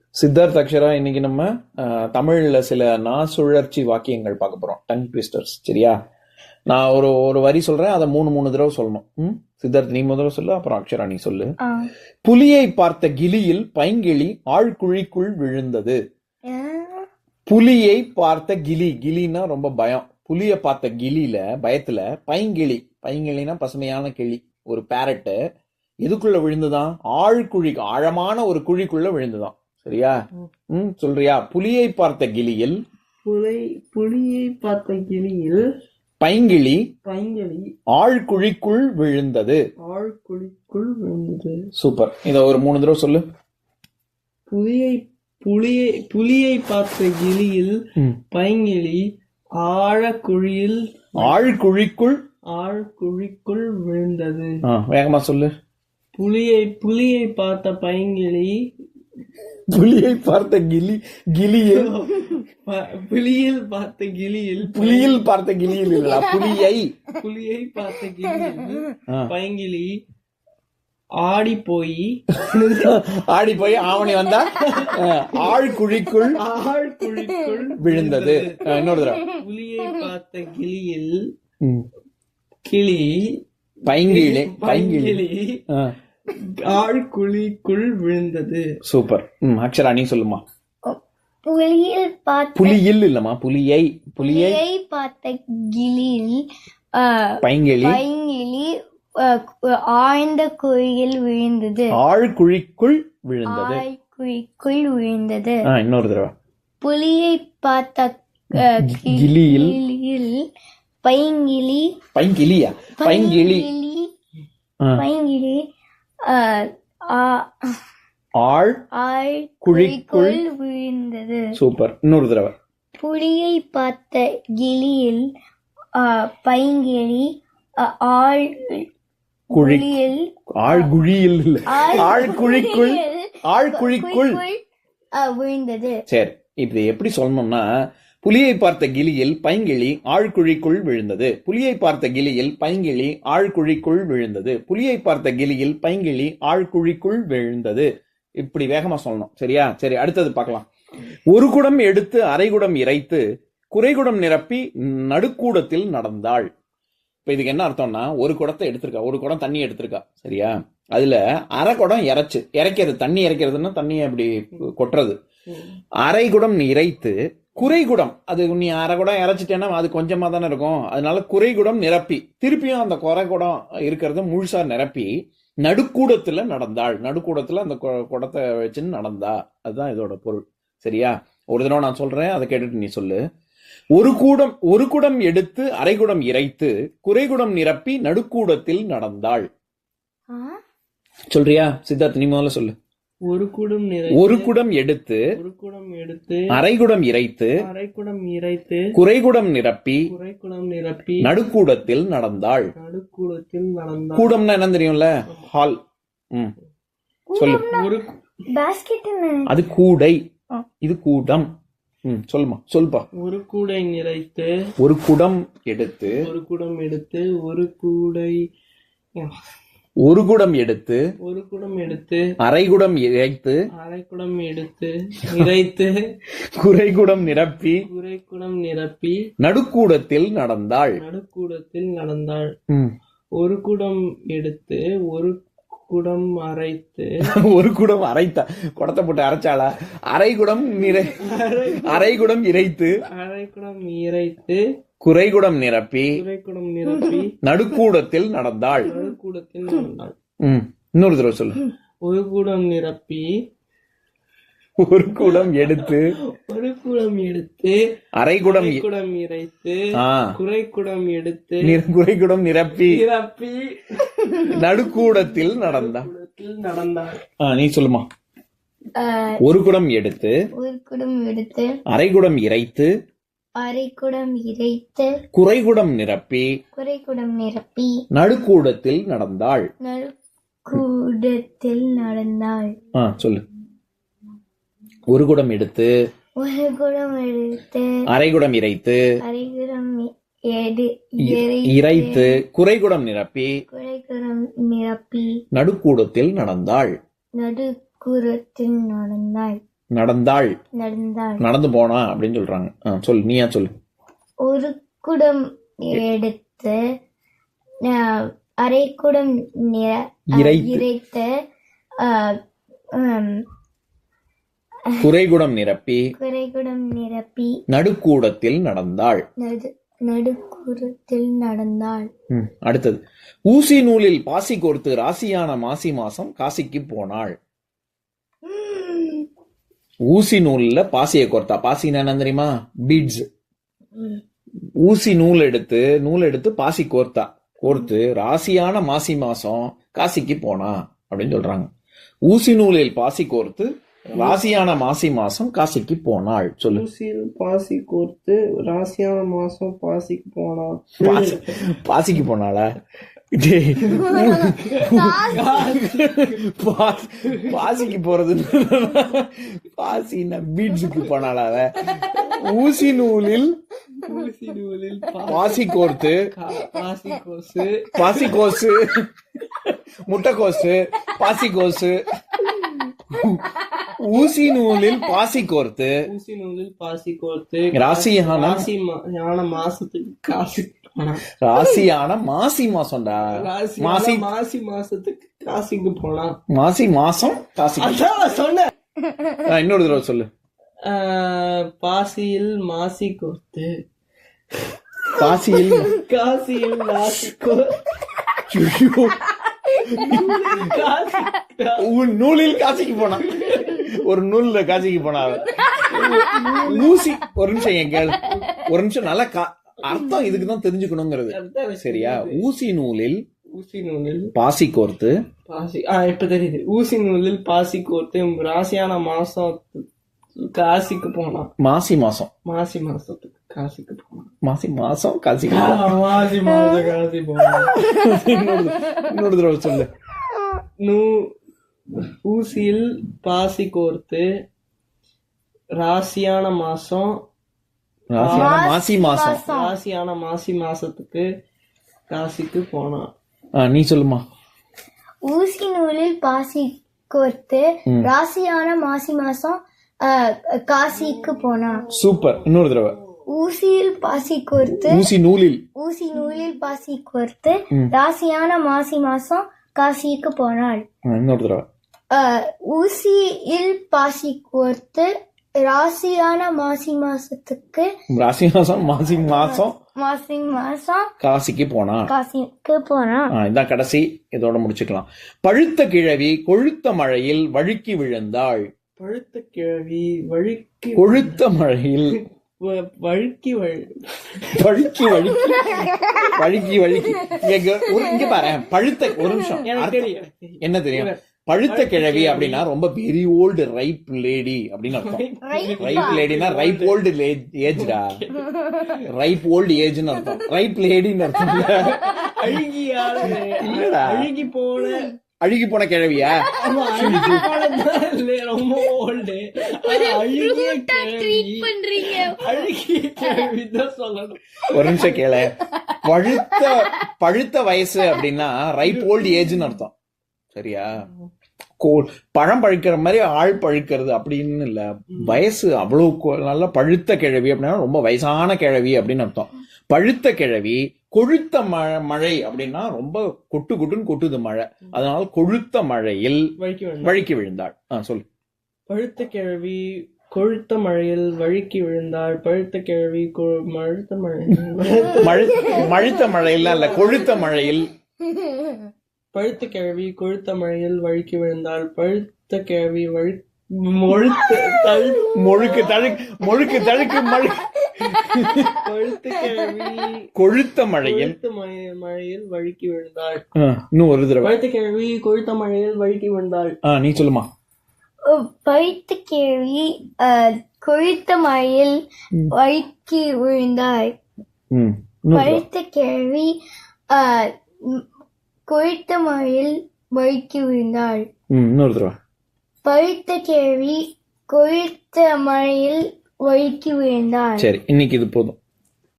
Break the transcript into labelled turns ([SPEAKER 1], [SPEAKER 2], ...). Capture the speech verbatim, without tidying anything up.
[SPEAKER 1] சித்தார்த் அக்ஷரா, இன்னைக்கு நம்ம அஹ், தமிழ்ல சில நா சுழற்சி வாக்கியங்கள் பார்க்க போறோம். Tongue twisters. சரியா? நான் ஒரு ஒரு வரி சொல்றேன், அதை மூணு மூணு தடவை சொல்லணும். ம்? சித்தார்த் நீ முதல்ல சொல்லு, அப்புறம் அக்ஷரா நீ சொல்லு.
[SPEAKER 2] ஆ.
[SPEAKER 1] புலியை பார்த்த கிளியில் பைங்கிளி ஆழ்குழிக்குள் விழுந்தது.
[SPEAKER 2] ஆ.
[SPEAKER 1] புலியை பார்த்த கிளி, கிளின்னா ரொம்ப பயம். புலியை பார்த்த கிளியில பயத்துல பைங்கிளி, பைங்கிளினா பசுமையான கிளி, ஒரு பேரட்டு எதுக்குள்ள விழுந்துதான்? ஆழ்குழி, ஆழமான ஒரு குழிக்குள்ள விழுந்துதான். சரியா? ம் சொல்றியா? புலியை பார்த்த கிளியில்
[SPEAKER 3] புலை புலியை பார்த்த கிளியில்
[SPEAKER 1] பைங்கிளி
[SPEAKER 3] பைங்கிளி
[SPEAKER 1] ஆழ்குழிக்குள் விழுந்தது.
[SPEAKER 3] ஆழ்குழிக்குள் விழுந்தது.
[SPEAKER 1] சூப்பர். இத ஒரு மூணு தடவை சொல்லு.
[SPEAKER 3] புலியை புலியை புலியை பார்த்த கிளியில்
[SPEAKER 1] ம்.
[SPEAKER 3] பைங்கிளி ஆழக்குழியில்
[SPEAKER 1] ஆழ்குழிக்குள்.
[SPEAKER 3] ஆழ்குழிக்குள் விழுந்தது.
[SPEAKER 1] ஆ, வேகமா சொல்லு.
[SPEAKER 3] புலியை புலியை பார்த்த பைங்கிளி
[SPEAKER 1] புலியை பார்த்த கிளி கிளியில்
[SPEAKER 3] ப- புலியில் பார்த்த கிளியில்
[SPEAKER 1] புலியில் பார்த்த கிளியில் இல்ல, புலியை.
[SPEAKER 3] புலியை பார்த்த கிளியில்
[SPEAKER 1] ஆ.
[SPEAKER 3] பைங்கிளி ஆடி போய்
[SPEAKER 1] ஆடி போய் ஆவணி வந்தா அஹ், ஆழ்குழிக்குள்
[SPEAKER 3] ஆழ்குழிக்குள்
[SPEAKER 1] விழுந்தது. அஹ், இன்னொரு தடவை.
[SPEAKER 3] புலியை பார்த்த கிளியில்
[SPEAKER 1] ம்.
[SPEAKER 3] கிளி
[SPEAKER 1] பைங்கிளி பைங்கிளி.
[SPEAKER 3] பைங்கிளி
[SPEAKER 1] ஆ,
[SPEAKER 3] ஆழ்குழிக்குள் விழுந்தது.
[SPEAKER 1] சூப்பர். ம், அக்ஷரா நீ சொல்லுமா.
[SPEAKER 2] புலியில் பார்த்த
[SPEAKER 1] புலியில் இல்லம்மா, புலியை. புலியை
[SPEAKER 2] புலியை பார்த்த கிளியில் ஆ,
[SPEAKER 1] பைங்கிளி
[SPEAKER 2] பைங்கிளி ஆ, ஆழ்ந்த குழியில் விழுந்தது.
[SPEAKER 1] ஆழ்குழிக்குள் விழுந்தது.
[SPEAKER 2] ஆழ்குழிக்குள் விழுந்தது.
[SPEAKER 1] ஆ, இன்னொரு தடவை.
[SPEAKER 2] புலியை பார்த்த ஆ, கி-
[SPEAKER 1] கிளியில்
[SPEAKER 2] கிளியில் பைங்கிளி
[SPEAKER 1] பைங்கிளியா? பைங்கிளி.
[SPEAKER 2] பைங்கிளி
[SPEAKER 1] ஆ,
[SPEAKER 2] பைங்கிளி ஆ, ஆ,
[SPEAKER 1] ஆழ்
[SPEAKER 2] ஆழ்குழிக்குள் விழுந்தது.
[SPEAKER 1] சூப்பர். இன்னொரு தடவை.
[SPEAKER 2] புலியை பார்த்த கிளியில் ஆ, பைங்கிளி ஆ, ஆழ்
[SPEAKER 1] குழி
[SPEAKER 2] குழியில்
[SPEAKER 1] ஆழ்குழியில் இல்ல, ஆழ்குழிக்குள்.
[SPEAKER 2] குழியில்
[SPEAKER 1] ஆழ்குழிக்குள்.
[SPEAKER 2] ஆ, விழுந்தது.
[SPEAKER 1] சரி, இப்படி எப்படி சொல்லணும்னா, புலியை பார்த்த கிளியில் பைங்கிளி ஆழ்குழிக்குள் விழுந்தது. புலியை பார்த்த கிளியில் பைங்கிளி ஆழ்குழிக்குள் விழுந்தது. புலியை பார்த்த கிளியில் பைங்கிளி ஆழ்குழிக்குள் விழுந்தது. இப்படி வேகமா சொல்லணும். சரியா? சரி, அடுத்தது பார்க்கலாம். ஒரு குடம் எடுத்து அரைகுடம் இறைத்து குறைகுடம் நிரப்பி நடுக்கூடத்தில் நடந்தாள். இப்ப இதுக்கு என்ன அர்த்தம்னா, ஒரு குடத்தை எடுத்திருக்கா, ஒரு குடம் தண்ணி எடுத்திருக்கா. சரியா? அதுல அரை குடம் இறைச்சு, இறைக்கிறது, தண்ணி இறைக்கிறதுன்னா தண்ணியை அப்படி கொட்டுறது. அரை குடம் நீ இறைத்து குறைகுடம், அது நீ அரை குடம் இறைச்சிட்டேன்னா அது கொஞ்சமா தானே இருக்கும். அதனால குறைகுடம் நிரப்பி திருப்பியும் அந்த குறை குடம் இருக்கிறத முழுசா நிரப்பி நடுக்கூடத்துல நடந்தாள். நடுக்கூடத்துல அந்த கு- குடத்தை வச்சுன்னு நடந்தா. அதுதான் இதோட பொருள். சரியா? ஒரு தடவை நான் சொல்றேன், அதை கேட்டுட்டு நீ சொல்லு. ஒரு கூடம் ஒரு குடம் எடுத்து அரைகுடம் இறைத்து குறைகுடம் நிரப்பி நடுக்கூடத்தில் நடந்தாள்.
[SPEAKER 2] ஆ?
[SPEAKER 1] சொல்றியா? சித்தார்த் நீ முதல்ல சொல்லு.
[SPEAKER 3] ஒரு குடம் நிறை
[SPEAKER 1] ஒரு குடம் எடுத்து
[SPEAKER 3] ஒரு குடம் எடுத்து
[SPEAKER 1] அரைகுடம் இறைத்து
[SPEAKER 3] அரைக்குடம் இறைத்து
[SPEAKER 1] குறைகுடம் நிரப்பி
[SPEAKER 3] குறைக்குடம் நிரப்பி
[SPEAKER 1] நடுக்கூடத்தில் நடந்தாள்.
[SPEAKER 3] நடுக்கூடத்தில் நடந்தார்.
[SPEAKER 1] கூடம்னா என்ன தெரியும்ல? ஹால். ம், சொல்லு.
[SPEAKER 3] ஒரு
[SPEAKER 2] பாஸ்கெட்
[SPEAKER 1] அது கூடை, இது கூடம். ம், சொல்லுமா, சொல்லுப்பா.
[SPEAKER 3] ஒரு கூடை நிறைத்து
[SPEAKER 1] ஒரு குடம் எடுத்து
[SPEAKER 3] ஒரு குடம் எடுத்து ஒரு கூடை
[SPEAKER 1] ஒரு குடம் எடுத்து
[SPEAKER 3] ஒரு குடம் எடுத்து
[SPEAKER 1] அரைகுடம் இறைத்து
[SPEAKER 3] அரைக்குடம் எடுத்து இறைத்து
[SPEAKER 1] குறைகுடம் நிரப்பி
[SPEAKER 3] குறைக்குடம் நிரப்பி
[SPEAKER 1] நடுக்கூடத்தில் நடந்தாள்.
[SPEAKER 3] நடுக்கூடத்தில் நடந்தாள்.
[SPEAKER 1] ம்.
[SPEAKER 3] ஒரு குடம் எடுத்து ஒரு குடம் அரைத்து
[SPEAKER 1] ஒரு குடம் அரைத்தா, குடத்தை போட்டு அரைச்சாளா? அரைகுடம் நிறை அரைகுடம் இறைத்து
[SPEAKER 3] அரைக்குடம் இறைத்து
[SPEAKER 1] குறைகுடம் நிரப்பி
[SPEAKER 3] குறைக்குடம் நிரப்பி
[SPEAKER 1] நடுக்கூடத்தில் நடந்தாள்.
[SPEAKER 3] நடுக்கூடத்தில் நடந்தாள்.
[SPEAKER 1] ம், இன்னொரு தடவை சொல்லு.
[SPEAKER 3] ஒரு குடம் நிரப்பி
[SPEAKER 1] ஒரு குடம் எடுத்து
[SPEAKER 3] ஒரு குடம் எடுத்து
[SPEAKER 1] அரைகுடம் இ-
[SPEAKER 3] குடம் இறைத்து
[SPEAKER 1] ஆ,
[SPEAKER 3] குறைக்குடம் எடுத்து
[SPEAKER 1] நிர- குறைகுடம் நிரப்பி
[SPEAKER 3] நிரப்பி
[SPEAKER 1] நடுக்கூடத்தில் நடந்தாள்.
[SPEAKER 3] கூடத்தில் நடந்தாள்.
[SPEAKER 1] ஆ, நீ சொல்லுமா.
[SPEAKER 2] ஆ,
[SPEAKER 1] ஒரு குடம் எடுத்து
[SPEAKER 2] ஒரு குடம் எடுத்து
[SPEAKER 1] அரைகுடம் இறைத்து
[SPEAKER 2] அரைக்குடம் இறைத்து
[SPEAKER 1] குறைகுடம் நிரப்பி
[SPEAKER 2] குறைக்குடம் நிரப்பி
[SPEAKER 1] நடுக்கூடத்தில் நடந்தாள்.
[SPEAKER 2] நடுக்கூடத்தில் நடந்தாள்.
[SPEAKER 1] ஆ, சொல்லு. ஒரு குடம் எடுத்து
[SPEAKER 2] ஒரு குடம் எடுத்து
[SPEAKER 1] அரைகுடம் இறைத்து
[SPEAKER 2] அரைகுடம் எடு
[SPEAKER 1] இ- இறைத்து குறைகுடம் நிரப்பி
[SPEAKER 2] குறைக்குடம் நிரப்பி
[SPEAKER 1] நடுக்கூடத்தில் நடந்தாள்.
[SPEAKER 2] நடுக்குறத்தில் நடந்தாள்.
[SPEAKER 1] நடந்தாள்,
[SPEAKER 2] நடந்தாள்.
[SPEAKER 1] நடந்து போனா அப்படின்னு சொல்றாங்க. ஆ, சொல்லு, நீயா சொல்லு.
[SPEAKER 2] ஒரு குடம் எடுத்து அஹ், அரை குடம் நிற- அஹ்,
[SPEAKER 1] இறைத்து.
[SPEAKER 2] இறைத்து அஹ், ஹம்,
[SPEAKER 1] குறைகுடம் நிரப்பி
[SPEAKER 2] குறை குடம் நிரப்பி
[SPEAKER 1] நடுக்கூடத்தில் நடந்தாள்.
[SPEAKER 2] நடு நடுக்குறத்தில் நடந்தாள்.
[SPEAKER 1] ம், அடுத்தது ஊசி நூலில் பாசி கோர்த்து ராசியான மாசி மாசம் காசிக்கு போனாள்.
[SPEAKER 2] உம்.
[SPEAKER 1] ஊசி நூல்ல பாசியை கோர்த்தா, பாசின்னா என்ன தெரியுமா? பீட்ஸ்.
[SPEAKER 2] உம்.
[SPEAKER 1] ஊசி நூல் எடுத்து நூல் எடுத்து பாசி கோர்த்தா, கோர்த்து ராசியான மாசி மாசம் காசிக்கு போனா அப்படின்னு சொல்றாங்க. ஊசி நூலில் பாசி கோர்த்து ராசியான மாசி மாசம் காசிக்கு போனாள். சொல்லு.
[SPEAKER 3] ஊசியில் பாசி கோர்த்து ராசியான மாசம் பாசிக்கு போனா.
[SPEAKER 1] பாசி பாசிக்கு போனாளா? டேய், பா- பாசிக்கு போறது பாசின்னா பீட்ஸுக்கு போனாளா? அவ? ஊசி நூலில்
[SPEAKER 3] ஊசி நூலில்
[SPEAKER 1] பாசி கோர்த்து
[SPEAKER 3] பா- பாசி கோசு
[SPEAKER 1] பாசி கோசு, முட்டைக்கோசு, பாசி கோசு. ஊசி நூலில் பாசி கோர்த்து
[SPEAKER 3] ஊசி நூலில் பாசி கோர்த்து
[SPEAKER 1] ராசியான
[SPEAKER 3] ராசி மா- யான மாசத்துக்கு காசிக்கு போனா.
[SPEAKER 1] ராசியான மாசி மாசம்டா.
[SPEAKER 3] ராசியான
[SPEAKER 1] மாசி
[SPEAKER 3] மாசி மாசத்துக்கு காசிக்கு போனா.
[SPEAKER 1] மாசி மாசம் காசிக்கு.
[SPEAKER 3] அதான் நான் சொன்னேன்.
[SPEAKER 1] ஆ, இன்னொரு தடவை சொல்லு.
[SPEAKER 3] ஆஹ், பாசியில் மாசி கோர்த்து
[SPEAKER 1] பாசியில்
[SPEAKER 3] காசியில் ராசி கோ-
[SPEAKER 1] ஐயோ,
[SPEAKER 3] காசி
[SPEAKER 1] உன் நூலில் காசிக்கு போனா. ஒரு நூல்ல காசிக்கு போனா அவ. ஊசி, ஒரு நிமிஷம் என் கேளு, ஒரு நிமிஷம் நல்லா கா- அர்த்தம் இதுக்குதான் தெரிஞ்சுக்கணுங்கிறது. சரியா? ஊசி நூலில்
[SPEAKER 3] ஊசி நூலில்
[SPEAKER 1] பாசி கோர்த்து
[SPEAKER 3] பாசி ஆ இப்ப தெரியுது. ஊசி நூலில் பாசி கோர்த்து ராசியான மாசம் காசிக்கு போனான்.
[SPEAKER 1] மாசி மாசம்
[SPEAKER 3] மாசி மாசத்துக்கு காசிக்கு போனான்.
[SPEAKER 1] மாசி மாசம் காசிக்கு
[SPEAKER 3] ஆ,
[SPEAKER 1] போனா.
[SPEAKER 3] மாசி மாசம் காசி போனான்.
[SPEAKER 1] இன்னொரு இன்னொரு தடவை சொல்லு.
[SPEAKER 3] நூ ஊசியில் பாசி கோர்த்து ராசியான மாசம்
[SPEAKER 1] ராசியான மாசி மாசம்.
[SPEAKER 3] ராசியான மாசி மாசத்துக்கு காசிக்கு போனான்.
[SPEAKER 1] ஆ, நீ சொல்லுமா.
[SPEAKER 2] ஊசி நூலில் பாசி கோர்த்து ராசியான மாசி மாசம் அஹ், காசிக்கு போனான்.
[SPEAKER 1] சூப்பர். இன்னொரு தடவை.
[SPEAKER 2] ஊசியில் பாசி கோர்த்து
[SPEAKER 1] ஊசி நூலில்
[SPEAKER 2] ஊசி நூலில் பாசி கோர்த்து ராசியான மாசி மாசம் காசிக்கு போனாள்.
[SPEAKER 1] ஆ, இன்னொரு தடவை.
[SPEAKER 2] அஹ், ஊசியில் பாசி கோர்த்து ராசியான மாசி மாசத்துக்கு
[SPEAKER 1] ராசி மாசம் மாசி மாசம்
[SPEAKER 2] மாசி மாசம்
[SPEAKER 1] காசிக்கு போனா.
[SPEAKER 2] காசிக்கு போனான்.
[SPEAKER 1] ஆ, இதான் கடைசி. இதோட முடிச்சுக்கலாம். பழுத்த கிழவி கொழுத்த மழையில் வழுக்கி விழுந்தாள்.
[SPEAKER 3] பழுத்த கிழவி வழுக்கி
[SPEAKER 1] கொழுத்த மழையில்
[SPEAKER 3] வ- வழுக்கி வழு
[SPEAKER 1] வழுக்கி வழுக்கி வழுக்கி வழுக்கி இங்க ஒரு- இங்க பாரு. பழுத்த, ஒரு நிமிஷம்.
[SPEAKER 3] எனக்கு
[SPEAKER 1] அர்த்தம்
[SPEAKER 3] தெரியும், எனக்கு தெரியும்.
[SPEAKER 1] என்ன தெரியும்? பழுத்த கிழவி அப்படின்னா ரொம்ப வெரி ஓல்டு ரைப் லேடி அப்படின்னு அர்த்தம். ரைப் லேடினா ரைப் ஓல்டு ஏஜ்டா. ரைப் ஓல்டு ஏஜ்னு அர்த்தம். ரைப் லேடின்னு அர்த்தம் இல்ல.
[SPEAKER 3] அழுகியால
[SPEAKER 1] இல்லடா.
[SPEAKER 3] அழுகி போன
[SPEAKER 1] அழுகி போன கிழவியா?
[SPEAKER 3] ஆமா, அழுகி போனதுதான் இல்ல, ரொம்ப ஓல்டு. அழுகிய கிழவி அழுகிய கிழவி தான் சொல்லணும்.
[SPEAKER 1] ஒரு நிமிஷம் கேள. பழுத்த பழுத்த வயசு அப்படின்னா ரைப் ஓல்டு ஏஜ்னு அர்த்தம். சரியா? கோ- பழம் பழுக்கிற மாதிரி ஆள் பழுக்கிறது அப்படின்னு இல்ல. வயசு அவ்வளவு கொ- நல்ல பழுத்த கிழவி அப்படின்னா ரொம்ப வயசான கிழவி அப்படின்னு அர்த்தம். பழுத்த கிழவி கொழுத்த மழை மழை அப்படின்னா ரொம்ப கொட்டு கொட்டுன்னு கொட்டுது மழை. அதனால கொழுத்த மழையில்
[SPEAKER 3] வழுக்கி விழுந்தாள்.
[SPEAKER 1] வழுக்கி விழுந்தாள். ஆ, சொல்லு.
[SPEAKER 3] பழுத்த கிழவி கொழுத்த மழையில் வழுக்கி விழுந்தாள். பழுத்த கிழவி கொ- மழுத்த மழை
[SPEAKER 1] மழு மழுத்த மழையில இல்ல, கொழுத்த மழையில்.
[SPEAKER 3] பழுத்த கிழவி கொழுத்த மழையில் வழுக்கி விழுந்தாள். பழுத்த கிழவி வழு மொழுத்த தழு
[SPEAKER 1] மொழுக்கு தழுக்கு மொழுக்கு தழுக்கு மழை.
[SPEAKER 3] பழுத்த கிழவி
[SPEAKER 1] கொழுத்த மழையில்.
[SPEAKER 3] கொழுத்த மழை- மழையில் வழுக்கி விழுந்தாள்.
[SPEAKER 1] ஆ, இன்னும் ஒரு தடவை.
[SPEAKER 3] பழுத்த கிழவி கொழுத்த மழையில் வழுக்கி விழுந்தாள்.
[SPEAKER 1] ஆ, நீ சொல்லுமா.
[SPEAKER 2] பழுத்த கேள்வி கொழுத்த மழையில் வழுக்கி விழுந்தாய்.
[SPEAKER 1] ம், இன்னொரு தடவை.
[SPEAKER 2] பழுத்த கேள்வி கொழுத்த மழையில் வழுக்கி விழுந்தாள்.
[SPEAKER 1] ம், இன்னொரு தடவை.
[SPEAKER 2] பழுத்த கேள்வி கொழுத்த மழையில் வழுக்கி விழுந்தாள்.
[SPEAKER 1] சரி, இன்னைக்கு இது போதும்.